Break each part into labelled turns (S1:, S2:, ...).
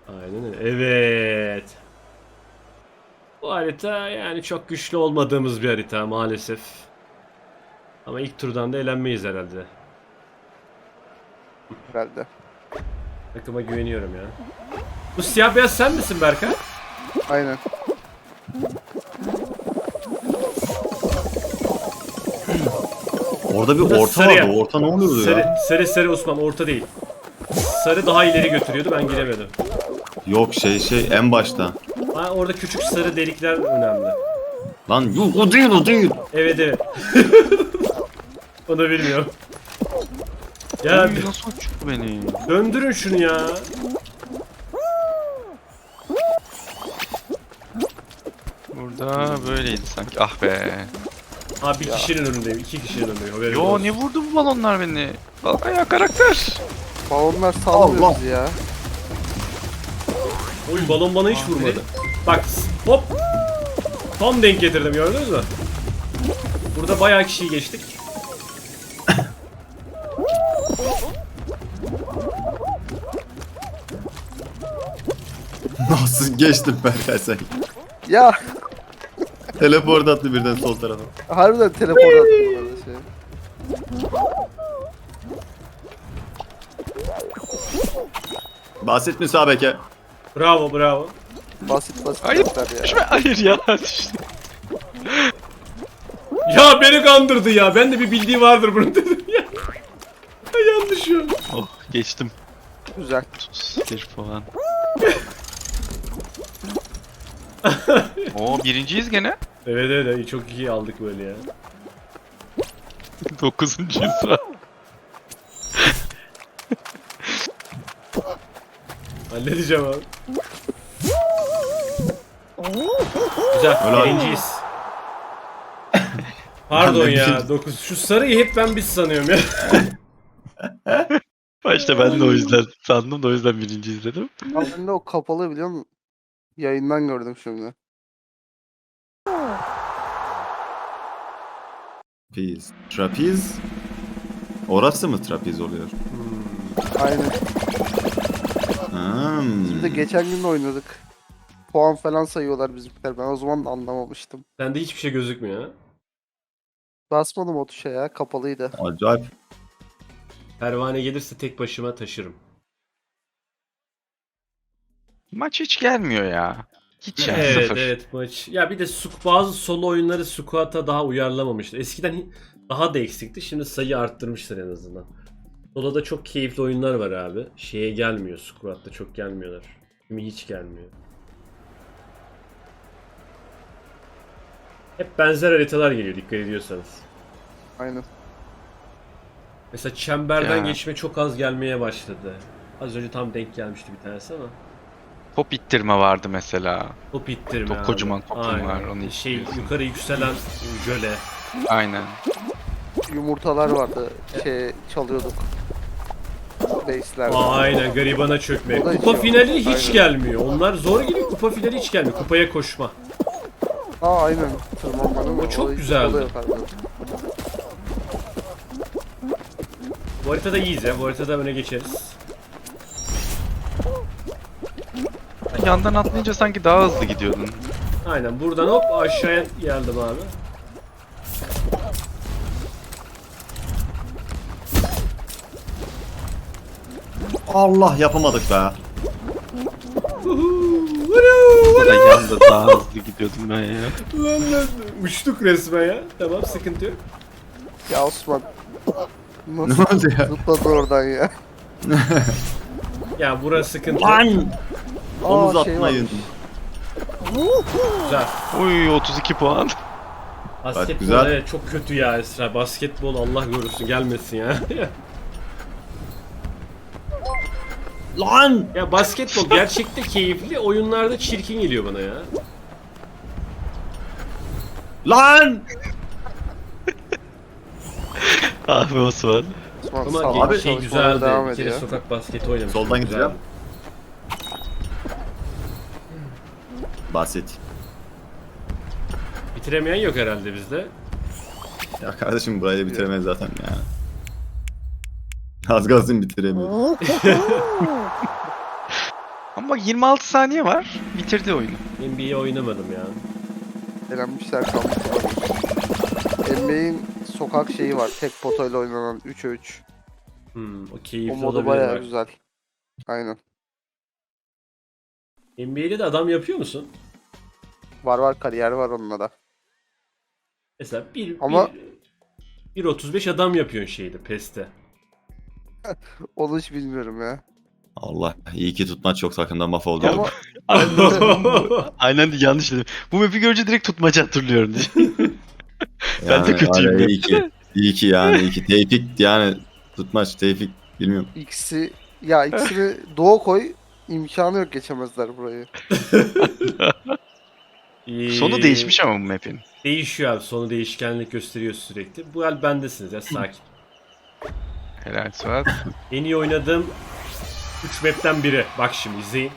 S1: Aynen öyle. Evet. Bu harita yani çok güçlü olmadığımız bir harita maalesef. Ama ilk turdan da elenmeyiz herhalde.
S2: Herhalde.
S1: Takıma güveniyorum ya. Bu siyah beyaz sen misin Berkay?
S2: Aynen.
S3: Orada bir
S1: Burada
S3: orta
S1: sarı
S3: vardı.
S1: ya.
S3: O orta ne oluyordu
S1: Sarı,
S3: ya?
S1: sarı Osman orta değil. Sarı daha ileri götürüyordu ben giremedim.
S3: Yok en başta.
S1: Ha, orada küçük sarı delikler önemli.
S3: Lan yok o değil o değil.
S1: Evet evet. Onu bilmiyorum. Ya
S4: Oy, nasıl uçtu beni?
S1: döndürün şunu ya.
S4: Burada böyleydi sanki. Ah be.
S1: Abi bir kişinin önündeyim, iki kişinin önündeyim. Haberin
S4: Yo
S1: olsun.
S4: ne vurdu bu balonlar beni? Bak ya karakter.
S2: Balonlar sallıyor
S3: Allah.
S2: bizi ya.
S1: Oy balon bana hiç vurmadı. Bak hop. Tam denk getirdim gördünüz mü? Burada bayağı kişiyi geçtik.
S3: Nasıl geçtin Berkay sen?
S2: Ya
S3: Teleport attı birden sol tarafa.
S2: harbiden teleport attı bana şey.
S3: Basit müsabeke.
S1: Bravo bravo.
S2: Basit basit
S4: Hayır.
S2: yaptılar ya.
S4: Düşme. Hayır ya düştü.
S1: Ya beni kandırdı ya. Ben de bir bildiği vardır bunun dedim ya. Yanlış ya.
S4: Oh geçtim.
S2: Güzel.
S4: 31 puan. Oo birinciyiz gene.
S1: Evet evet çok iyi aldık böyle ya.
S4: 9.'yuz sıra.
S1: Halledeceğim abi. Güzel.
S3: Helal.
S1: Birinciyiz. Pardon
S3: Ben de
S1: ya.
S3: birinci-
S1: 9. Şu sarıyı hep ben biz sanıyorum ya.
S4: Başta ben de o yüzden sandım da o yüzden birinciyiz dedim.
S2: Ben de o kapalı biliyor musun? Yayından gördüm şimdi.
S3: Trapiz. Trapiz. Orası mı trapiz oluyor?
S2: Aynen.
S3: Hmm.
S2: Biz de geçen gün de oynadık. Puan falan sayıyorlar bizimkiler. Ben o zaman da anlamamıştım.
S1: Sende hiçbir şey gözükmüyor ha.
S2: Basmadım o tuşa ya. Kapalıydı.
S3: Acayip.
S1: Pervane gelirse tek başıma taşırım.
S4: Maç hiç gelmiyor ya. Hiç yani
S1: Evet
S4: sıfır.
S1: evet maç. Ya bir de bazı solo oyunları squat'a daha uyarlamamıştı. Eskiden daha da eksikti. Şimdi sayı arttırmışlar en azından. Solo'da çok keyifli oyunlar var abi. Şeye gelmiyor. Squat'ta çok gelmiyorlar. Kimi hiç gelmiyor. Hep benzer haritalar geliyor dikkat ediyorsanız.
S2: Aynen.
S1: Mesela çemberden
S4: Ya.
S1: geçme çok az gelmeye başladı. Az önce tam denk gelmişti bir tanesi ama.
S4: Top ittirme vardı mesela.
S1: Top ittirme
S4: Çok
S1: abi.
S4: kocaman topum
S1: Aynen.
S4: var, onu
S1: Şey
S4: ittiriyorsun.
S1: yukarı yükselen jöle.
S4: Aynen.
S2: Yumurtalar vardı. Şey çalıyorduk. Base'lerde.
S1: Aynen garibana çökme.
S2: O da
S1: Kupa
S2: hiç yok.
S1: finali hiç
S2: Aynen.
S1: gelmiyor. Onlar zor geliyor. Kupa finali hiç gelmiyor. Kupaya koşma.
S2: Aynen. Tırmanmanın
S1: O çok
S2: olayı
S1: güzeldi.
S2: oluyor harbiden.
S1: Bu haritada iyiyiz ya. Bu haritada öne geçeriz.
S4: Yandan atlayınca sanki daha hızlı gidiyordun.
S1: Aynen buradan hop aşağıya geldim abi.
S3: Allah yapamadık be.
S4: Burada yanda daha hızlı gidiyordum ben ya.
S1: Lan uçtuk resmen ya. Tamam sıkıntı yok.
S2: Ya Osman.
S3: Ne
S2: Nasıl
S3: oldu ya?
S2: zıpladı oradan ya?
S1: Ya burası sıkıntı yok.
S3: Lan! Omuz
S2: Aa, şey
S3: atmayın.
S1: Güzel.
S4: Uy 32 puan.
S1: Basketbol
S3: güzel.
S1: evet çok kötü ya Esra. Basketbol Allah korusun gelmesin ya.
S3: Lan!
S1: Ya basketbol gerçekte keyifli. Oyunlarda çirkin geliyor bana ya.
S3: Lan!
S4: Ah be Osman.
S2: Osman
S1: Ama
S2: sağlam
S3: abi,
S1: şey
S2: çalışmalara
S1: güzeldi.
S2: devam
S1: Bir kere
S2: ediyor.
S1: sokak basketi oynamıştım.
S3: Soldan
S1: güzeldi.
S3: gideceğim. Basit.
S1: Bitiremeyen yok herhalde bizde.
S3: Ya kardeşim burayı bitiremez zaten ya. Az kalsın bitiremiyor.
S4: Ama bak 26 saniye var. Bitirdi oyunu.
S1: NBA oynamadım ya.
S2: Elenmişler kalmışlar. NBA'in sokak şeyi var. Tek potayla oynanan 3'e 3.
S1: O keyifli
S2: O modu
S1: olabilir
S2: bayağı
S1: bak.
S2: güzel. Aynen.
S1: NBA'de de adam yapıyor musun?
S2: Var kariyer var onunla da.
S1: Mesela
S2: Ama-
S1: 1.35 adam yapıyorsun şeyde PES'te.
S2: Onu hiç bilmiyorum ya.
S3: Allah iyi ki tutmaç çok takımdan mahvoldu.
S2: Ama
S4: Aynen yanlış dedim. Bu map'i görünce direkt tutmaca hatırlıyorum diye. Ben de kötüyüm
S3: var ya,
S4: ben.
S3: iyi ki. İyi ki yani iyi ki. Tevfik yani tutmaç Tevfik bilmiyorum.
S2: ikisini Doğu koy, imkanı yok, geçemezler burayı.
S4: Sonu değişmiş ama bu map'in.
S1: Değişiyor abi. Sonu değişkenlik gösteriyor sürekli. Bu el bendesiniz ya, sakin.
S4: Helal Suat.
S1: En iyi oynadığım 3 map'ten biri. Bak şimdi izleyin.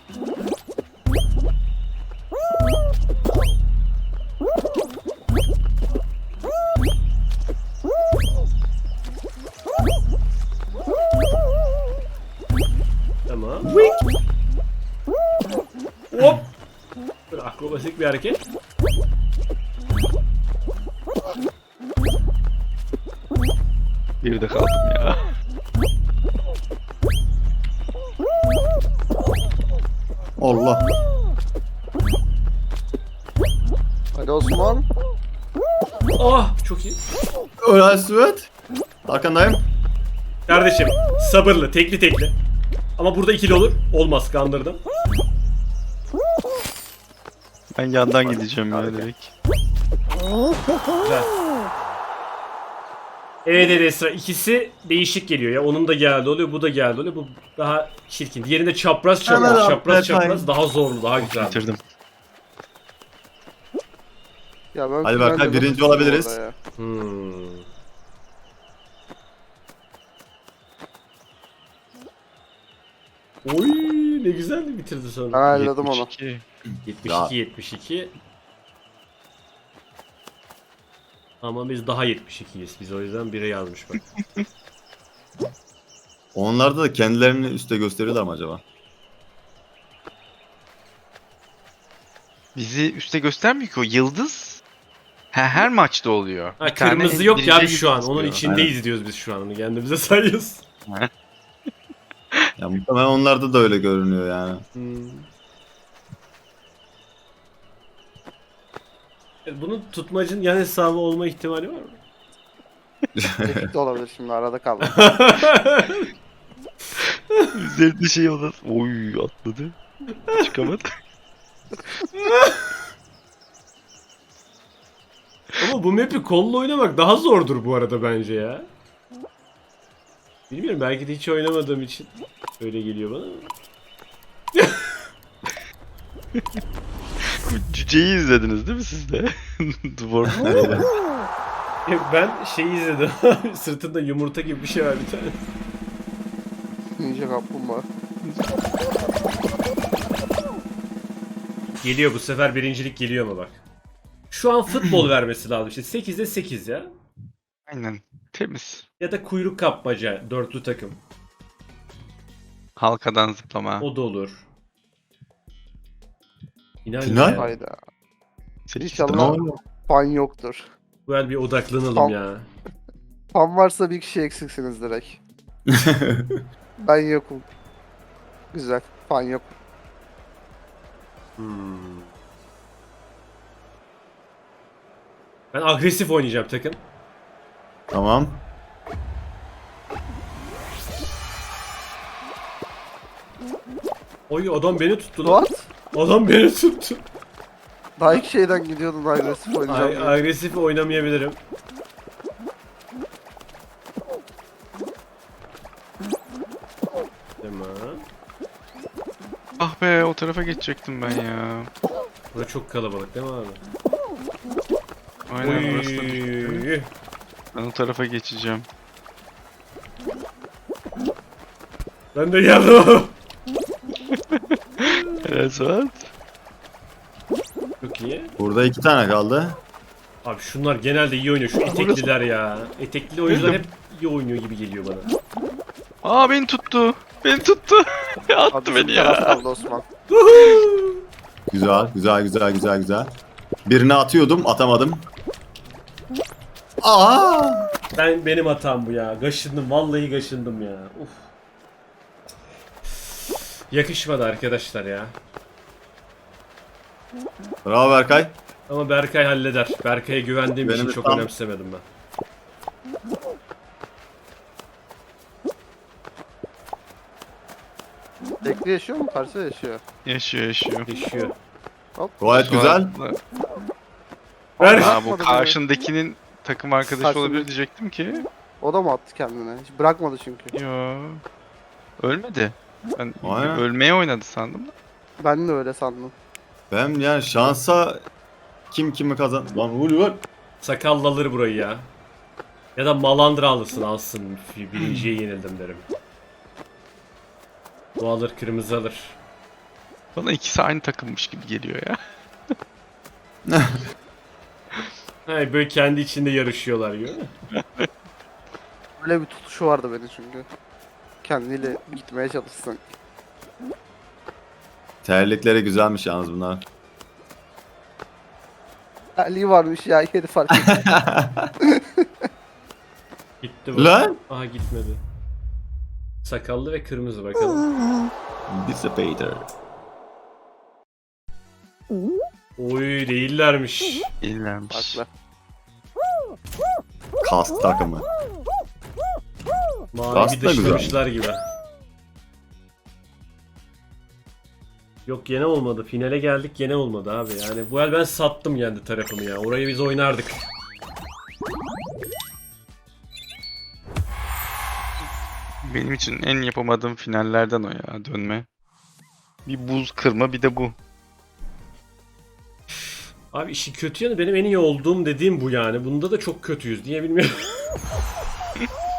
S1: Tamam. Hop. Böyle akrobatik bir hareket.
S4: Bir de kaldım ya.
S3: Allah.
S2: Hadi Osman.
S1: Oh, çok iyi.
S3: Öyle Süvet. Arkandayım.
S1: Kardeşim sabırlı, tekli. Ama burada ikili olur. Olmaz, kandırdım.
S4: Ben yandan gideceğim ya direkt.
S1: Güzel. Evet Esra, ikisi değişik geliyor ya. Onun da geldi oluyor, bu da geldi oluyor. Bu daha çirkin. Diğerinde çapraz
S3: Hemen abi,
S1: çapraz
S3: Berkay.
S1: daha zorlu, daha güzel.
S4: Bitirdim.
S2: Ya ben
S3: Hadi Berkay,
S2: finalde
S3: birinci
S2: nasıl
S3: olabiliriz.
S2: orada ya?
S1: Oy, ne güzel bitirdi
S2: Ben
S1: sonra.
S2: ayarladım onu.
S4: 72.
S1: 72. Ama biz daha 72'yiz. Biz o yüzden 1'e yazmış bak.
S3: Onlarda da kendilerini üste gösteriyorlar mı acaba?
S4: Bizi üste göstermiyor ki o yıldız. Her maçta oluyor.
S1: Ha,
S4: Bir tane
S1: kırmızı yok ya
S4: birinci
S1: abi şu an.
S4: yıldız
S1: Onun
S4: diyor.
S1: içindeyiz diyoruz biz şu an. Onu kendimize sayıyoruz.
S3: Ya muhtemelen onlarda da öyle görünüyor yani.
S1: Bunun tutmacın yan hesabı olma ihtimali var mı?
S2: Tevfik de olabilir, şimdi arada kaldım.
S4: Üzerinde şey olur. Oy atladı. Çıkamadı.
S1: Ama bu map'i kolla oynamak daha zordur bu arada bence ya. Bilmiyorum, belki de hiç oynamadığım için öyle geliyor bana.
S4: Bu cüceyi izlediniz değil mi siz de? Dwarf.
S1: Ben şeyi izledim. Sırtında yumurta gibi bir şey var bir tane.
S2: Ninja kaplumbağa.
S1: Geliyor bu sefer, birincilik geliyor mu bak. Şu an futbol vermesi lazım işte. 8'de 8 ya.
S4: Aynen. Temiz.
S1: Ya da kuyruk kapmaca, dörtlü takım.
S4: Halkadan zıplama.
S1: O da olur.
S3: Final?
S1: Ya.
S2: Hayda.
S4: Sekiz
S2: İnşallah
S4: tane.
S2: fan yoktur.
S1: Bu el bir odaklanalım
S2: Tam-
S1: ya.
S2: Fan varsa bir kişi eksiksiniz direkt. Ben yokum. Güzel. Fan yok.
S1: Ben agresif oynayacağım takım.
S3: Tamam.
S1: Oy, adam beni tuttu lan.
S2: What?
S1: Adam beni tuttu.
S2: Daha ilk şeyden gidiyordun agresif oynayacağım diye.
S1: Agresif oynamayabilirim. Tamam.
S4: Ah be o tarafa geçecektim ben ya.
S1: Burada çok kalabalık değil mi abi?
S4: Aynen burası da bitti.
S1: Oy.
S4: Ben o tarafa geçeceğim.
S1: Ben de geldim.
S4: Helal Suat.
S1: Çok iyi.
S3: Burada 2 tane kaldı.
S1: Abi şunlar genelde iyi oynuyor. Şu etekliler ya. Etekli oyuncular hep iyi oynuyor gibi geliyor bana.
S4: Aa beni tuttu. Beni tuttu. Attı
S2: Abi
S4: beni
S2: bizim taraf
S4: ya.
S2: kaldı Osman.
S3: Güzel, güzel, güzel, güzel, güzel. Birini atıyordum, atamadım. Aa!
S1: Benim hatam bu ya. Gaşındım. Vallahi gaşındım ya. Uf. Yakışmadı arkadaşlar ya.
S3: Bravo Berkay.
S1: Ama Berkay halleder. Berkay'a güvendiğim için
S3: Benim
S1: çok
S3: tam-
S1: önemsemedim ben.
S2: Tekli yaşıyor mu? Karşı yaşıyor.
S4: Yaşıyor yaşıyor.
S1: Yaşıyor.
S3: Gayet güzel.
S1: Ver.
S4: Aa, bu
S2: Atmadı beni.
S4: karşındakinin takım arkadaşı
S2: Karşındaki-
S4: olabilir diyecektim ki.
S2: O da mı attı kendine? Hiç bırakmadı çünkü.
S4: Yo. Ölmedi. Ben
S3: Aynen.
S4: ölmeye oynadı sandım da.
S2: Ben de öyle sandım.
S3: Ben yani şansa kim kimi kazan... Lan Ulver.
S1: Sakallı alır burayı ya. Ya da Malandra alsın. Birinciye yenildim derim. Bu alır, kırmızı alır.
S4: Bana ikisi aynı takımmış gibi geliyor ya.
S1: Hayır, böyle kendi içinde yarışıyorlar gibi.
S2: Öyle bir tutuşu vardı benim çünkü. Kendiyle gitmeye çalışsın.
S3: Terlikleri güzelmiş yalnız bunlar.
S2: Ali varmış ya yeri fark etti.
S1: Gitti bu.
S3: Lan!
S1: Aha gitmedi. Sakallı ve kırmızı bakalım.
S3: Dissipator.
S1: Oy değillermiş.
S4: İllenmiş.
S2: Farklı.
S3: Kast takımı.
S1: Mavi bir
S3: Aslında güzel.
S1: dışlamışlar gibi. Yok gene olmadı. Finale geldik gene olmadı abi. Yani bu el ben sattım kendi tarafımı ya. Orayı biz oynardık.
S4: Benim için en yapamadığım finallerden o ya dönme. Bir buz kırma bir de bu.
S1: Abi işi kötü yanı benim en iyi olduğum dediğim bu yani. Bunda da çok kötüyüz diye bilmiyorum.